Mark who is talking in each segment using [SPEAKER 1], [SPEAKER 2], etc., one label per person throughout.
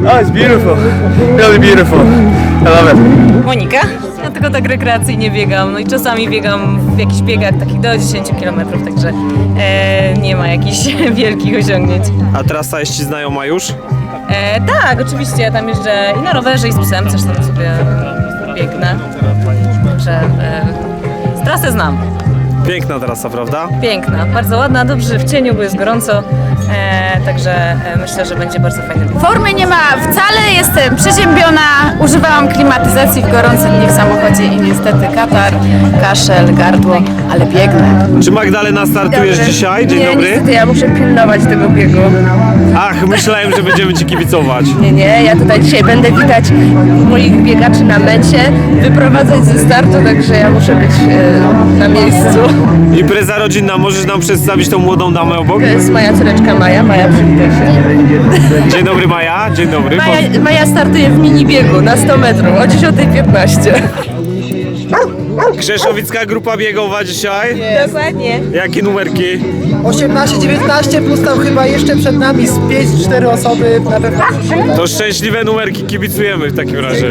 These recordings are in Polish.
[SPEAKER 1] Oh, it's beautiful. Really beautiful. I love it.
[SPEAKER 2] Monika. Ja tylko tak rekreacyjnie biegam, no i czasami biegam w jakichś biegach takich do 10 km, także nie ma jakichś wielkich osiągnięć.
[SPEAKER 3] A trasa jest ci znajoma już?
[SPEAKER 2] Tak, oczywiście, ja tam jeżdżę i na rowerze, i z psem, coś tam sobie biegnę, także trasę znam.
[SPEAKER 3] Piękna trasa, prawda?
[SPEAKER 2] Piękna, bardzo ładna, dobrze w cieniu, bo jest gorąco, także myślę, że będzie bardzo fajny bieg.
[SPEAKER 4] Formy nie ma wcale, jestem przeziębiona, używałam klimatyzacji w gorącym dniu w samochodzie i niestety katar, kaszel, gardło, ale biegnę.
[SPEAKER 3] Czy Magdalena startujesz dzisiaj? Dzień dobry.
[SPEAKER 5] Niestety ja muszę pilnować tego biegu.
[SPEAKER 3] Ach, myślałem, że będziemy ci kibicować.
[SPEAKER 5] Nie, ja tutaj dzisiaj będę witać moich biegaczy na mecie, wyprowadzać ze startu, także ja muszę być na miejscu.
[SPEAKER 3] Impreza rodzinna, możesz nam przedstawić tą młodą damę obok?
[SPEAKER 5] To jest moja córeczka Maja, przywitaj się.
[SPEAKER 3] Dzień dobry Maja, dzień dobry.
[SPEAKER 5] Maja startuje w mini biegu na 100 metrów o 10:15.
[SPEAKER 3] Krzeszowicka grupa biegowa dzisiaj.
[SPEAKER 5] Dokładnie.
[SPEAKER 3] Jakie numerki?
[SPEAKER 6] 18-19 plus tam chyba jeszcze przed nami z 5-4 osoby na pewno.
[SPEAKER 3] To szczęśliwe numerki, kibicujemy w takim razie.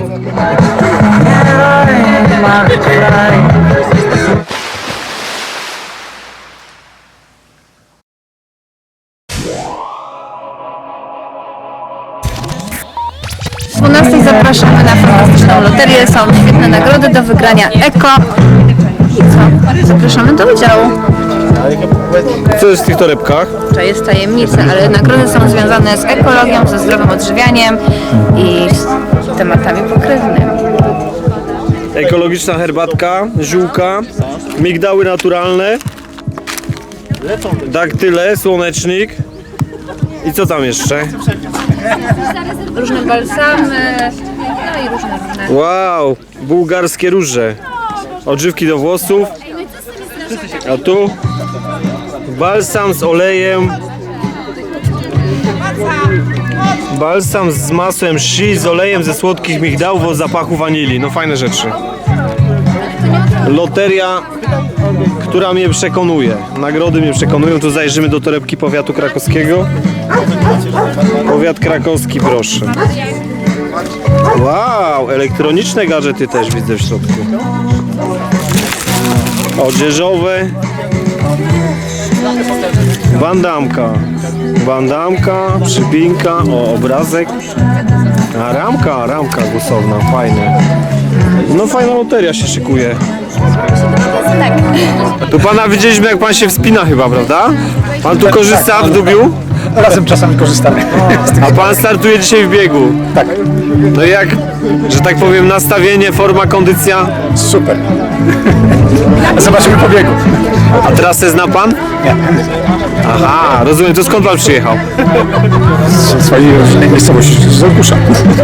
[SPEAKER 4] O 12 zapraszamy na fantastyczną loterię, są świetne nagrody do wygrania eko. I co? Zapraszamy do udziału.
[SPEAKER 3] Co jest w tych torebkach?
[SPEAKER 4] To jest tajemnica, ale nagrody są związane z ekologią, ze zdrowym odżywianiem i z tematami pokrewnymi.
[SPEAKER 3] Ekologiczna herbatka, ziółka, migdały naturalne, daktyle, słonecznik. I co tam jeszcze?
[SPEAKER 4] Różne balsamy, no i różne.
[SPEAKER 3] Wow, bułgarskie róże. Odżywki do włosów. A tu balsam z olejem. Balsam z masłem shea, z olejem ze słodkich migdałów o zapachu wanilii. No fajne rzeczy. Loteria, która mnie przekonuje. Nagrody mnie przekonują. Tu zajrzymy do torebki powiatu krakowskiego. Powiat krakowski, proszę. Wow, elektroniczne gadżety też widzę w środku. Odzieżowe. Bandamka, przypinka, o obrazek. A ramka głosowna, fajne. No fajna loteria się szykuje. Tu pana widzieliśmy, jak pan się wspina chyba, prawda? Pan tu korzysta w Dubiu?
[SPEAKER 6] Razem czasami korzystamy.
[SPEAKER 3] A pan startuje dzisiaj w biegu?
[SPEAKER 6] Tak.
[SPEAKER 3] No i jak, że tak powiem, nastawienie, forma, kondycja?
[SPEAKER 6] Super. Zobaczymy po biegu.
[SPEAKER 3] A trasę zna pan?
[SPEAKER 6] Nie.
[SPEAKER 3] Aha, rozumiem. To skąd pan przyjechał?
[SPEAKER 6] Z swojej rodzinnej miejscowości, z Olkusza.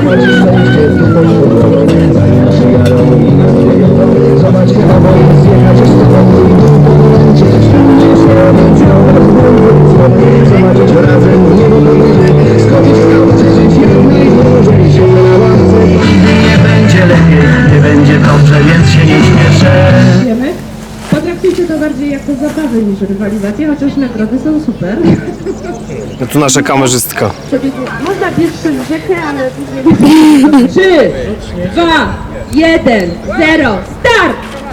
[SPEAKER 7] Nie będzie lepiej, nie będzie dobrze, więc się nie śmieszę.
[SPEAKER 8] Potraktujcie to bardziej jako zabawę niż rywalizację, chociaż nagrody są super.
[SPEAKER 3] No tu nasza kamerzystka.
[SPEAKER 8] Można biec przez rzekę, ale... 3, 2, 1, 0, start!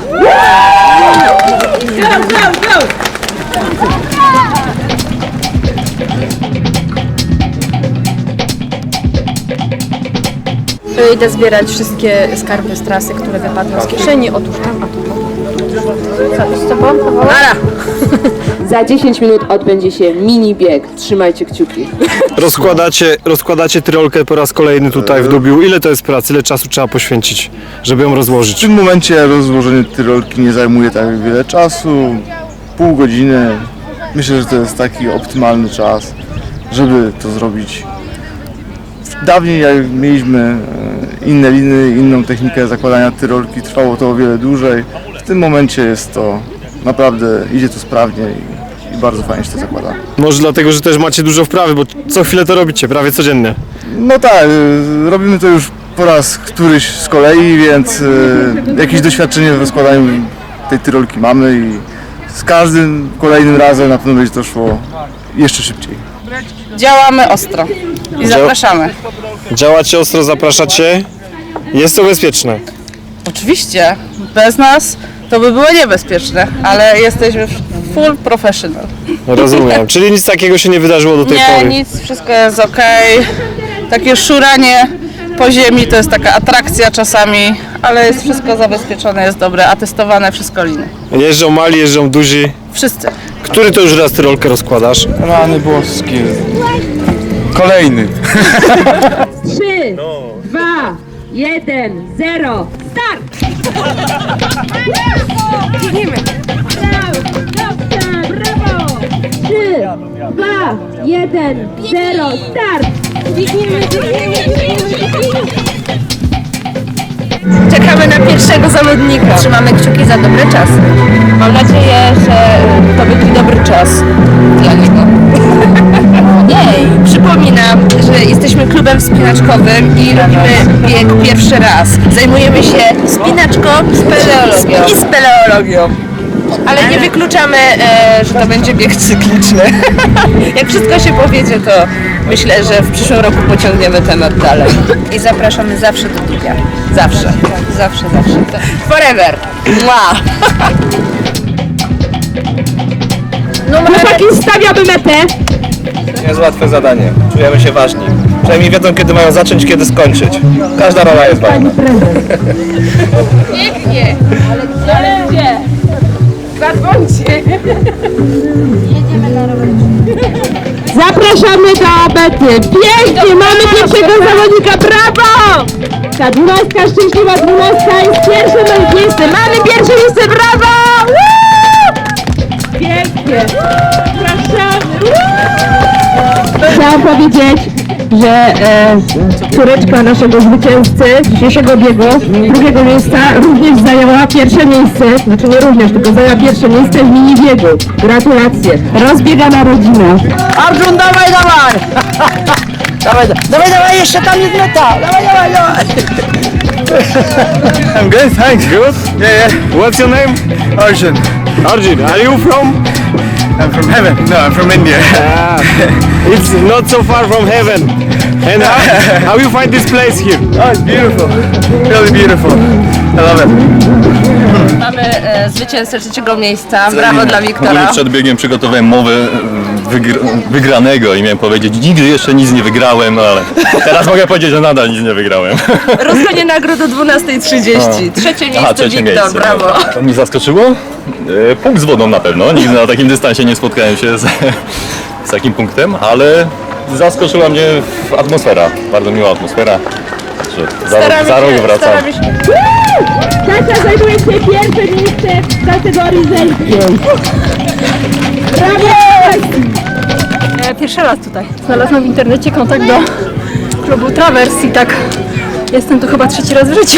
[SPEAKER 8] Go!
[SPEAKER 5] Idę zbierać wszystkie skarby z trasy, które wypadły z kieszeni. Otóż tam, a tu. Co z tobą? Nara!
[SPEAKER 8] Za 10 minut odbędzie się mini bieg. Trzymajcie kciuki.
[SPEAKER 3] Rozkładacie tyrolkę po raz kolejny tutaj w Dubiu. Ile to jest pracy, ile czasu trzeba poświęcić, żeby ją
[SPEAKER 9] W
[SPEAKER 3] rozłożyć?
[SPEAKER 9] tym momencie rozłożenie tyrolki nie zajmuje tak wiele czasu, pół godziny. Myślę, że to jest taki optymalny czas, żeby to zrobić. Dawniej jak mieliśmy inne liny, inną technikę zakładania tyrolki, trwało to o wiele dłużej. W tym momencie jest to naprawdę, idzie to sprawnie i bardzo fajnie się to zakłada.
[SPEAKER 3] Może dlatego, że też macie dużo wprawy, bo co chwilę to robicie, prawie codziennie.
[SPEAKER 9] No tak, robimy to już po raz któryś z kolei, więc jakieś doświadczenie w rozkładaniu tej tyrolki mamy i z każdym kolejnym razem na pewno będzie to szło jeszcze szybciej.
[SPEAKER 5] Działamy ostro i zapraszamy.
[SPEAKER 3] Działacie ostro, zapraszacie. Jest to bezpieczne.
[SPEAKER 10] Oczywiście, bez nas to by było niebezpieczne, ale jesteśmy full professional.
[SPEAKER 3] Rozumiem. Czyli nic takiego się nie wydarzyło do tej
[SPEAKER 10] Nie,
[SPEAKER 3] pory.
[SPEAKER 10] nic, wszystko jest okej. Takie szuranie po ziemi to jest taka atrakcja czasami, ale jest wszystko zabezpieczone, jest dobre, atestowane, wszystko liny.
[SPEAKER 3] Jeżdżą mali, jeżdżą duzi.
[SPEAKER 10] Wszyscy.
[SPEAKER 3] Który to już raz tyrolkę rozkładasz?
[SPEAKER 9] Rany boskie. Kolejny.
[SPEAKER 8] 3, 2, 1, 0, start! Biegniemy! Brawo! 3, 2, 1, 0, start! Biegniemy!
[SPEAKER 5] Czekamy na pierwszego zawodnika. Trzymamy kciuki za dobry czas. Mam nadzieję, że to będzie dobry czas dla niego. Ojej! Przypominam, że jesteśmy klubem wspinaczkowym i robimy bieg pierwszy raz. Zajmujemy się spinaczką i speleologią. Ale nie wykluczamy, że to będzie bieg cykliczny. Jak wszystko się powiedzie, to myślę, że w przyszłym roku pociągniemy temat dalej. I zapraszamy zawsze do biega. Zawsze. Zawsze. Forever. Mua.
[SPEAKER 8] Chłopaki, stawiamy metę!
[SPEAKER 1] Jest łatwe zadanie. Czujemy się ważni. Przynajmniej wiedzą, kiedy mają zacząć, kiedy skończyć. Każda rola jest ważna.
[SPEAKER 5] Pięknie. Ale gdzie? Zadzwońcie.
[SPEAKER 8] Zapraszamy do mety! Pięknie! Mamy pierwszego zawodnika! Brawo! Ta 12, szczęśliwa 12 jest pierwsze miejsce! Mamy pierwsze miejsce! Brawo! Woo! Pięknie! Zapraszamy! Woo! Chciałam powiedzieć, że córeczka naszego zwycięzcy dzisiejszego biegu, drugiego miejsca, również zajęła pierwsze miejsce, znaczy nie również, tylko zajęła pierwsze miejsce w mini biegu. Gratulacje. Rozbiegana rodzina.
[SPEAKER 6] Arjun, dawaj! Dawaj, jeszcze tam jest meta! Dawaj!
[SPEAKER 3] I'm good, thanks. Good? Yeah. What's your name?
[SPEAKER 1] Arjun,
[SPEAKER 3] Arjun. Are you from?
[SPEAKER 1] I'm from heaven. No, I'm from India.
[SPEAKER 3] It's not so far from heaven. And how you find this place here?
[SPEAKER 1] Oh, it's beautiful. Really beautiful. I love it.
[SPEAKER 5] Mamy zwycięzcę trzeciego miejsca. Brawo dla Wiktora.
[SPEAKER 11] Przed biegiem przygotowałem mowę wygranego i miałem powiedzieć, nigdy jeszcze nic nie wygrałem, ale teraz mogę powiedzieć, że nadal nic nie wygrałem.
[SPEAKER 5] Rozkładnie nagród o 12:30. Trzecie miejsce, Wiktor, brawo.
[SPEAKER 11] To mnie zaskoczyło? Punkt z wodą na pewno. Nigdy na takim dystansie nie spotkałem się z takim punktem, ale zaskoczyła mnie atmosfera. Bardzo miła atmosfera. Za rok wracam.
[SPEAKER 8] Kasia zajmuje się pierwsze miejsce w kategorii żeńskiej. Brawo!
[SPEAKER 12] Pierwszy raz tutaj. Znalazłam w internecie kontakt do klubu Travers i tak jestem tu chyba trzeci raz w życiu.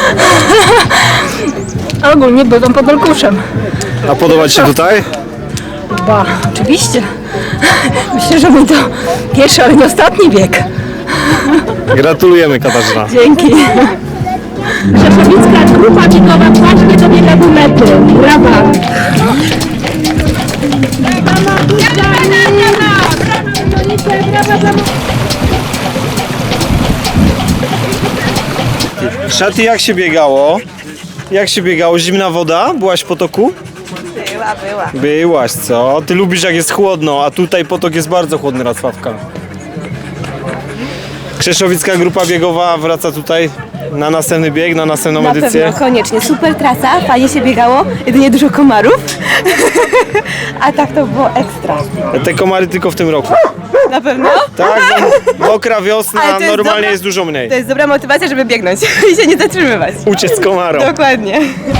[SPEAKER 12] A ogólnie bywam pod Olkuszem.
[SPEAKER 3] A podoba Ci się tutaj?
[SPEAKER 12] Ba, oczywiście. Myślę, że mój to pierwszy, ale nie ostatni bieg.
[SPEAKER 3] Gratulujemy, Katarzyna.
[SPEAKER 12] Dzięki.
[SPEAKER 8] Rzeszowicka grupa biegowa właśnie dobiega do mety. Brawa!
[SPEAKER 3] Szaty, jak się biegało? Jak się biegało? Zimna woda? Byłaś w potoku?
[SPEAKER 10] Była.
[SPEAKER 3] Byłaś, co? Ty lubisz, jak jest chłodno, a tutaj potok jest bardzo chłodny, Racławka. Krzeszowicka grupa biegowa wraca tutaj na następny bieg, na następną edycję.
[SPEAKER 5] Koniecznie. Super trasa, fajnie się biegało, jedynie dużo komarów. A tak to było ekstra.
[SPEAKER 3] Te komary tylko w tym roku.
[SPEAKER 5] Na pewno?
[SPEAKER 3] Tak, mokra wiosna,
[SPEAKER 5] Ale to jest
[SPEAKER 3] normalnie
[SPEAKER 5] dobra-
[SPEAKER 3] jest dużo mniej.
[SPEAKER 5] To jest dobra motywacja, żeby biegnąć i się nie zatrzymywać.
[SPEAKER 3] Uciec komarom.
[SPEAKER 5] Dokładnie.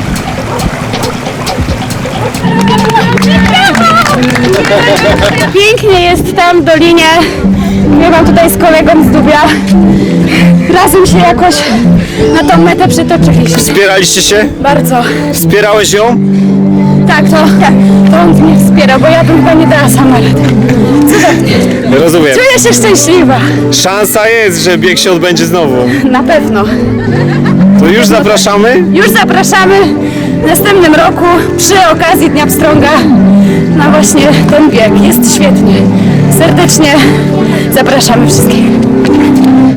[SPEAKER 12] Pięknie jest tam w dolinie. Biegam tutaj z kolegą z Dubia. Razem się jakoś na tą metę przytoczyliśmy.
[SPEAKER 3] Wspieraliście się?
[SPEAKER 12] Bardzo.
[SPEAKER 3] Wspierałeś ją?
[SPEAKER 12] Tak, to on mnie wspiera, bo ja bym chyba nie dała sama rady. Cudownie.
[SPEAKER 3] Rozumiem.
[SPEAKER 12] Czuję się szczęśliwa.
[SPEAKER 3] Szansa jest, że bieg się odbędzie znowu.
[SPEAKER 12] Na pewno.
[SPEAKER 3] To już zapraszamy?
[SPEAKER 12] Już zapraszamy w następnym roku przy okazji Dnia Pstrąga na właśnie ten bieg. Jest świetnie. Serdecznie zapraszamy wszystkich.